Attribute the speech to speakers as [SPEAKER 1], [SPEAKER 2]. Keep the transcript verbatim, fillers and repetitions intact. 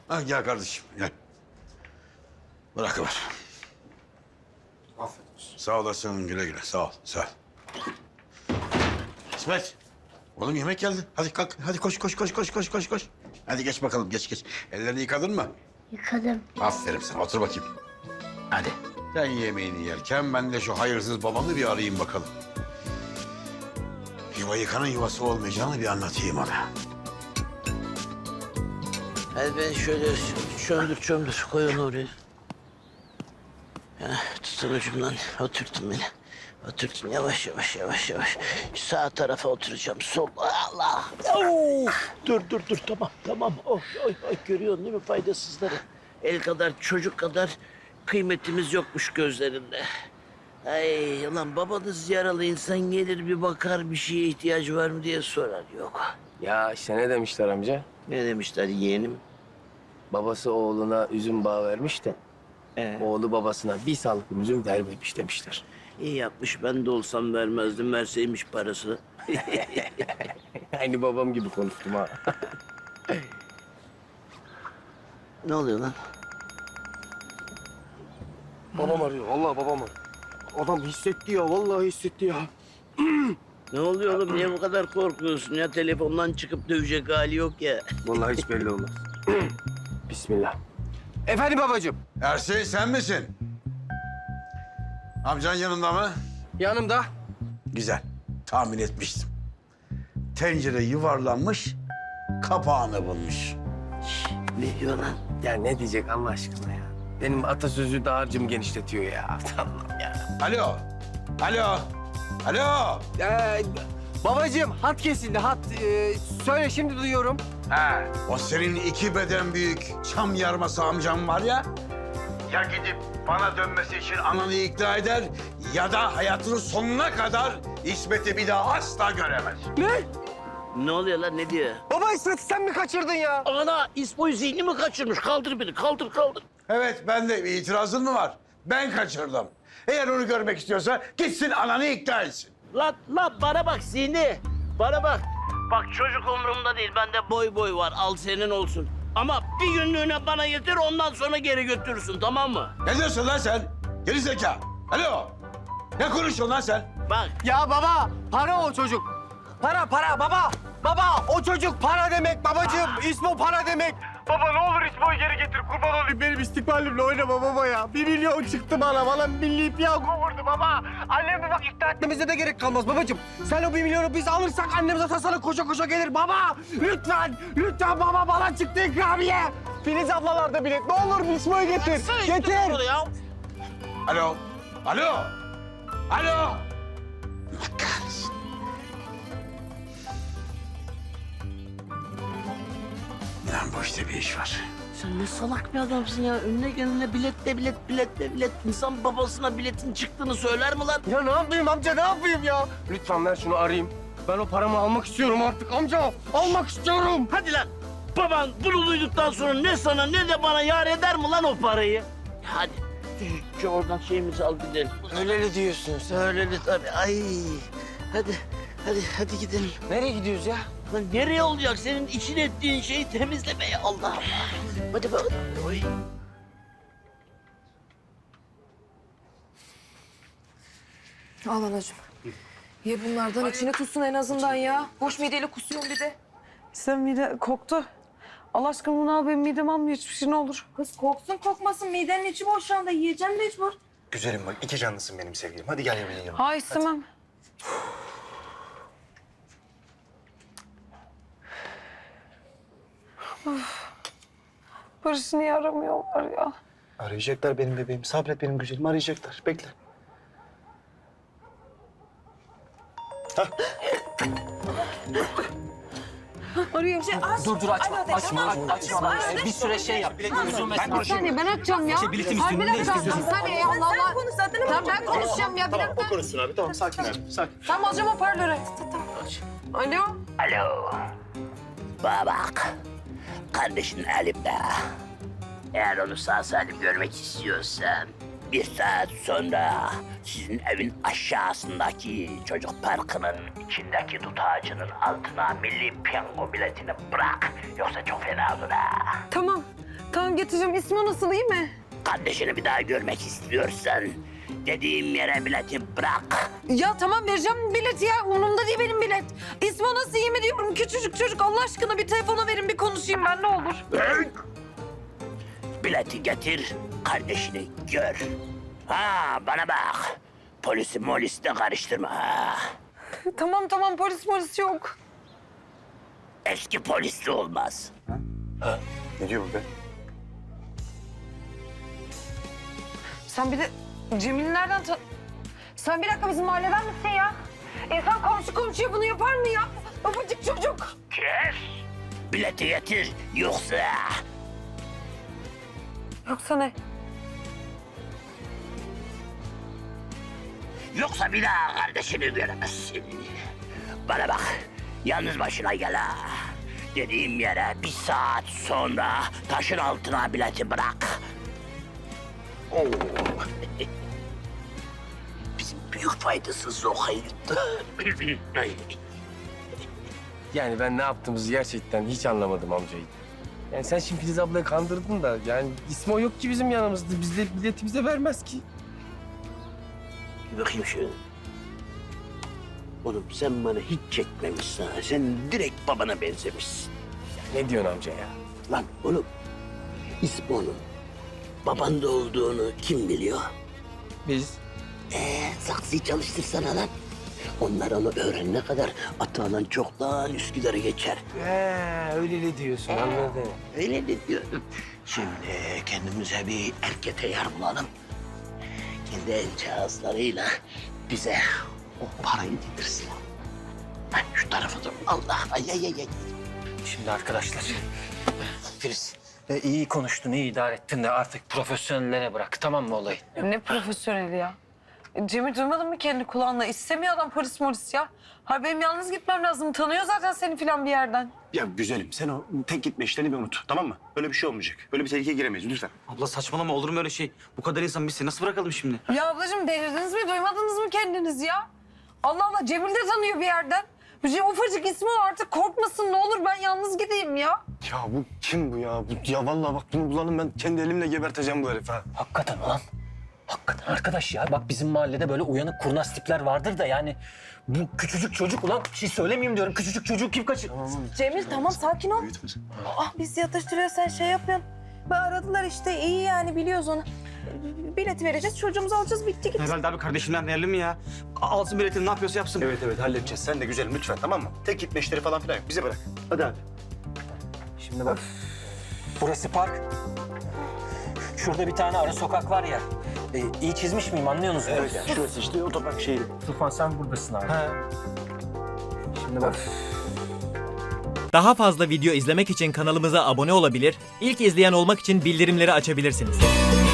[SPEAKER 1] Ha, gel kardeşim, gel. Bırakıver.
[SPEAKER 2] Afiyet olsun.
[SPEAKER 1] Sağ olasın, güle güle. Sağ ol, sağ ol. İsmet, oğlum yemek geldi. Hadi kalk, hadi koş, koş, koş, koş, koş, koş, koş. Hadi geç bakalım, geç, geç. Ellerini yıkadın mı?
[SPEAKER 3] Yıkadım.
[SPEAKER 1] Aferin sana, otur bakayım. Hadi. Sen yemeğini yerken ben de şu hayırsız babamı bir arayayım bakalım. Yuva yıkanın yuvası olmayacağını bir anlatayım ona.
[SPEAKER 4] Hadi ben şöyle çömdür çömdür koy onu oraya. Ya, tutun ucumdan oturtun beni. Oturtun yavaş yavaş yavaş yavaş. Sağ tarafa oturacağım. Sol. Allah. Oo! Dur dur dur tamam tamam. Oh, oy, oy, görüyorsun değil mi faydasızları? El kadar çocuk kadar kıymetimiz yokmuş gözlerinde. Ay ulan babanız yaralı insan gelir bir bakar bir şeye ihtiyacı var mı diye sorar. Yok.
[SPEAKER 2] Ya işte ne demişler amca?
[SPEAKER 4] Ne demişler yeğenim?
[SPEAKER 2] Babası oğluna üzüm bağı vermiş de
[SPEAKER 4] Ee?
[SPEAKER 2] oğlu babasına bir salkım üzüm vermemiş demişler.
[SPEAKER 4] İyi yapmış. Ben de olsam vermezdim. Verseymiş parasını.
[SPEAKER 2] Aynı babam gibi konuştum ha.
[SPEAKER 4] Ne oluyor lan?
[SPEAKER 2] Babam arıyor. Vallahi babam arıyor. Adam hissetti ya. Vallahi hissetti ya.
[SPEAKER 4] Ne oluyor oğlum? Niye bu kadar korkuyorsun ya? Telefondan çıkıp dövecek hali yok ya.
[SPEAKER 2] Vallahi hiç belli olmaz. Bismillah. Efendim babacığım.
[SPEAKER 1] Ersin sen misin? Amcan yanında mı?
[SPEAKER 2] Yanımda.
[SPEAKER 1] Güzel. Tahmin etmiştim. Tencere yuvarlanmış, kapağını bulmuş.
[SPEAKER 4] Ne diyor lan?
[SPEAKER 2] Ya ne diyecek Allah aşkına ya? Benim atasözü dağarcığımı genişletiyor ya. Allah'ım ya.
[SPEAKER 1] Alo. Alo. Alo.
[SPEAKER 2] Ee, babacığım hat kesildi hat. Ee, söyle şimdi duyuyorum.
[SPEAKER 1] Ha. O senin iki beden büyük çam yarması amcam var ya. Ya gidip bana dönmesi için ananı ikna eder ya da hayatının sonuna kadar İsmet'i bir daha asla göremez.
[SPEAKER 2] Ne?
[SPEAKER 4] Ne oluyor lan? Ne diyor?
[SPEAKER 2] Baba İsmet'i sen mi kaçırdın ya?
[SPEAKER 4] Ana İsmo'yu zihni mi kaçırmış? Kaldır beni. Kaldır kaldır.
[SPEAKER 1] Evet, ben de bir itirazın mı var? Ben kaçırdım. Eğer onu görmek istiyorsa gitsin ananı ikna etsin.
[SPEAKER 4] Lan lan bana bak zihni. Bana bak. Bak çocuk umurumda değil. Bende boy boy var. Al senin olsun. Ama bir günlüğüne bana getir ondan sonra geri götürürsün tamam mı?
[SPEAKER 1] Ne diyorsun lan sen? Geri zeka. Alo. Ne konuşuyorsun lan sen?
[SPEAKER 4] Bak.
[SPEAKER 2] Ya baba para o çocuk. Para para baba. Baba o çocuk para demek babacığım. İsmo para demek. Baba ne olur İsmo'yu geri getir. Kurban olayım benim istikbalimle oynama baba ya. Bir milyon çıktı bana. Bana milli piyango vurdu baba. Annemi bak ikna etmemize de gerek kalmaz babacığım. Sen o bir milyonu biz alırsak annem zaten sana koşa koşa gelir. Baba lütfen. Lütfen baba bana çıktı ikramiye. Filiz ablalarda bilet. Ne olur İsmo'yu getir. Getir.
[SPEAKER 4] Ya.
[SPEAKER 1] Alo. Alo. Alo. Allah kahretsin. Lan bu işte bir iş var.
[SPEAKER 4] Sen ne salak bir adamsın ya. Önüne gelene biletle bilet, biletle bilet. İnsan babasına biletin çıktığını söyler mi lan?
[SPEAKER 2] Ya ne yapayım amca ne yapayım ya? Lütfen ver şunu arayayım. Ben o paramı almak istiyorum artık amca. Almak istiyorum.
[SPEAKER 4] Hadi lan. Baban bunu duyduktan sonra ne sana ne de bana yar eder mi lan o parayı? Hadi. Şu, şu oradan şeyimizi al gidelim.
[SPEAKER 2] Öyle diyorsun sen.
[SPEAKER 4] Öyle de tabii. Ay. Hadi. Hadi, hadi gidelim.
[SPEAKER 2] Nereye gidiyoruz ya?
[SPEAKER 4] Lan nereye olacak? Senin için ettiğin şeyi temizlemeye Allah Allah. Hadi bak. Oy.
[SPEAKER 5] Al anacığım. Ye bunlardan içine tutsun en azından ya. Boş mideyle kusuyorsun bir de.
[SPEAKER 6] Sen mide koktu. Allah aşkına bunu al benim midem almıyor hiçbir şey ne olur.
[SPEAKER 5] Kız koksun kokmasın midenin içi boş şu anda yiyeceğim mecbur.
[SPEAKER 7] Güzelim bak, iki canlısın benim sevgilim. Hadi gel yemeğin yanıma.
[SPEAKER 6] Hayır istemem. Of. Barış'ı niye aramıyorlar ya?
[SPEAKER 7] Arayacaklar benim bebeğim. Sabret benim güzelim, arayacaklar. Bekle.
[SPEAKER 5] Arıyor. Şey, aç.
[SPEAKER 8] Dur dur açma.
[SPEAKER 5] Alo de,
[SPEAKER 8] açma.
[SPEAKER 5] tamam.
[SPEAKER 8] Açma.
[SPEAKER 5] Aç.
[SPEAKER 8] Ee, bir süre şey yap. Üzülmesin.
[SPEAKER 6] Bir saniye ben açacağım ya.
[SPEAKER 8] Şey, biletim
[SPEAKER 6] Ay, bir
[SPEAKER 8] üstünde
[SPEAKER 6] dakika.
[SPEAKER 8] istiyorsun.
[SPEAKER 6] Bir saniye ya Allah
[SPEAKER 5] Sen
[SPEAKER 6] Allah.
[SPEAKER 5] konuş zaten.
[SPEAKER 6] Tamam ben konuşacağım ya bir
[SPEAKER 7] Tamam,
[SPEAKER 6] dakika.
[SPEAKER 7] o konuşsun abi. Tamam, sakin abi, sakin.
[SPEAKER 6] Tamam alacağım hoparlörü. Alo.
[SPEAKER 4] Alo. Bana bak. Kardeşin elimde. Eğer onu sağ salim görmek istiyorsan bir saat sonra sizin evin aşağısındaki çocuk parkının içindeki dut ağacının altına milli piyango biletini bırak. Yoksa çok fena olur ha.
[SPEAKER 6] Tamam. Tamam getireceğim. İsmi nasıl, iyi mi?
[SPEAKER 4] Kardeşini bir daha görmek istiyorsan dediğim yere bileti bırak.
[SPEAKER 6] Ya tamam vereceğim bileti ya. Umurumda değil benim bilet. İsmi nasıl, iyi mi diyorum. Küçücük çocuk, Allah aşkına bir telefona verin, bir konuşayım ben, ne olur.
[SPEAKER 4] Bileti getir, kardeşini gör. Ha bana bak. Polisi molisi de karıştırma ha.
[SPEAKER 6] Tamam tamam, polis polis yok.
[SPEAKER 4] Eski polis de olmaz.
[SPEAKER 7] Ne diyor bu be?
[SPEAKER 6] Sen bir de Cemil'i nereden tan... Sen bir dakika bizim mahalleden misin ya? İnsan komşu komşuya bunu yapar mı ya? Babacık çocuk.
[SPEAKER 4] Kes. Bileti getir yoksa...
[SPEAKER 6] Yoksa ne?
[SPEAKER 4] Yoksa bir daha kardeşini göremezsin. Bana bak, yalnız başına gel ha. Dediğim yere bir saat sonra taşın altına bileti bırak. Oo. Bizim büyük faydasız o hayırdı.
[SPEAKER 2] Yani ben ne yaptığımızı gerçekten hiç anlamadım amcayı. Yani sen şimdi Filiz ablayı kandırdın da yani İsmo yok ki bizim yanımızda. Biz de bileti bize vermez ki.
[SPEAKER 4] Bir bakayım şöyle. Oğlum sen bana hiç çekmemişsin ha. Sen direkt babana benzemişsin.
[SPEAKER 2] Ne diyorsun amca ya?
[SPEAKER 4] Lan oğlum, İsmo'nun babanda olduğunu kim biliyor?
[SPEAKER 2] Biz
[SPEAKER 4] Ee, saksıyı çalıştırsana lan. Onlar onu öğrenene kadar Atalan çoktan Üsküdar'a geçer.
[SPEAKER 2] He, öyle ne diyorsun anladım.
[SPEAKER 4] Öyle mi diyorum? Şimdi kendimize bir erkete yer bulalım. Kendi el cihazlarıyla bize o parayı getirsin. Ha, şu tarafa dur. Allah, ay ay ay. ay.
[SPEAKER 8] Şimdi arkadaşlar. Filiz, e, iyi konuştun, iyi idare ettin de artık profesyonellere bırak, tamam mı olayı?
[SPEAKER 6] Ne profesyoneli ya? Cemil duymadın mı kendi kulağınla? İstemiyor adam polis molis ya. Ha benim yalnız gitmem lazım. Tanıyor zaten seni falan bir yerden.
[SPEAKER 7] Ya güzelim sen o tek gitme işlerini bir unut tamam mı? Öyle bir şey olmayacak. Öyle bir tehlikeye giremeyiz lütfen.
[SPEAKER 3] Abla saçmalama, olur mu öyle şey? Bu kadar insan biz seni nasıl bırakalım şimdi?
[SPEAKER 6] Ya ablacığım delirdiniz mi? Duymadınız mı kendiniz ya? Allah Allah, Cemil de tanıyor bir yerden. Bir şey, ufacık ismi o, artık korkmasın ne olur, ben yalnız gideyim ya.
[SPEAKER 7] Ya bu kim bu ya? Bu, ya vallahi bak bunu bulalım ben kendi elimle geberteceğim bu herifi ha.
[SPEAKER 8] Hakikaten ulan. Hakikaten arkadaş ya, bak bizim mahallede böyle uyanık kurnaz tipler vardır da yani... Bu küçücük çocuk ulan, bir şey söylemeyeyim diyorum. Küçücük çocuğu kim kaçır?
[SPEAKER 5] Cemil tamam sakin ol. Ah biz yatıştırıyor, sen şey yapıyorsun. Ben aradılar işte, iyi yani, biliyoruz onu. Bileti vereceğiz, çocuğumuzu alacağız, bitti gitti.
[SPEAKER 3] Herhalde abi kardeşimden değerli mi ya? A- Alsın biletini, ne yapıyorsa yapsın.
[SPEAKER 7] Evet evet halledeceğiz. Sen de güzelim lütfen tamam mı? Tek gitme işleri falan filan yok. Bize bırak. Hadi hadi.
[SPEAKER 8] Şimdi bak, burası park. Şurada bir tane ara sokak var ya. E, iyi çizmiş miyim, anlıyorsunuz değil mi?
[SPEAKER 7] Evet şurası işte otopark şeyi.
[SPEAKER 8] Tufan sen buradasın abi. Şimdi bak.
[SPEAKER 9] Daha fazla video izlemek için kanalımıza abone olabilir, ilk izleyen olmak için bildirimleri açabilirsiniz.